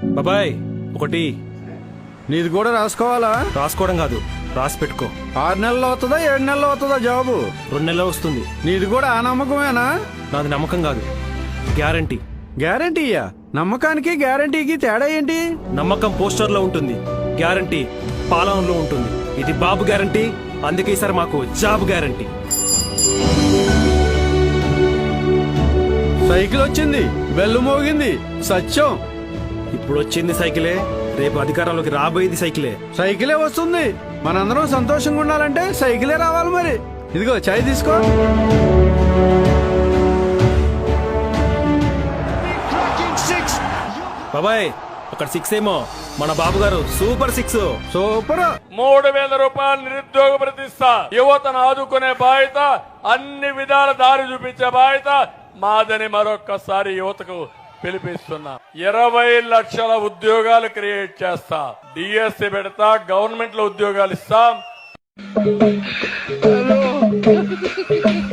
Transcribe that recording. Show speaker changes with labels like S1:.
S1: బాబాయ్ ఒకటి.
S2: నీది కూడా రాసుకోవాలా?
S1: రాసుకోవడం కాదు, రాసి పెట్టుకో.
S2: 6 నెలలు అవుతుందా 7 నెలలు అవుతుందా జాబు?
S1: 2 నెలలు వస్తుంది.
S2: నీది కూడా ఆ నమ్మకమేనా?
S1: నాది నమ్మకం కాదు, గ్యారంటీ.
S2: గ్యారంటీయా? నమ్మకానికి గ్యారంటీకి తేడా ఏంటి?
S1: నమ్మకం పోస్టర్ లో ఉంటుంది, గ్యారంటీ పాలనలో ఉంటుంది. ఇది బాబు గ్యారంటీ, అందుకే ఈసారి మాకు జాబ్ గ్యారంటీ.
S2: సైకిల్ వచ్చింది, బెల్లు మోగింది, సత్యం.
S1: ఇప్పుడు వచ్చింది సైకిలే, రేపు అధికారంలోకి రాబోయేది సైకిలే.
S2: సైకిలే వస్తుంది. మనందరం సంతోషంగా ఉండాలంటే సైకిలే రావాలి. మరి ఇదిగో చాయ్ తీసుకో.
S1: బాబాయ్ అక్కడ 6 ఏమో, మన బాబు గారు సూపర్ 6.
S2: సూపర్.
S3: 3000 రూపాయలు నిరుద్యోగ ప్రతిష్ట. యువతను ఆదుకునే బాధ్యత, అన్ని విధాల దారి చూపించే బాధ్యత మాదని మరొక్కసారి యువతకు పిలిపిస్తున్నా. 20 లక్షల ఉద్యోగాలు క్రియేట్ చేస్తా. డిఎస్సి పెడతా, గవర్నమెంట్ లో ఉద్యోగాలు ఇస్తాం.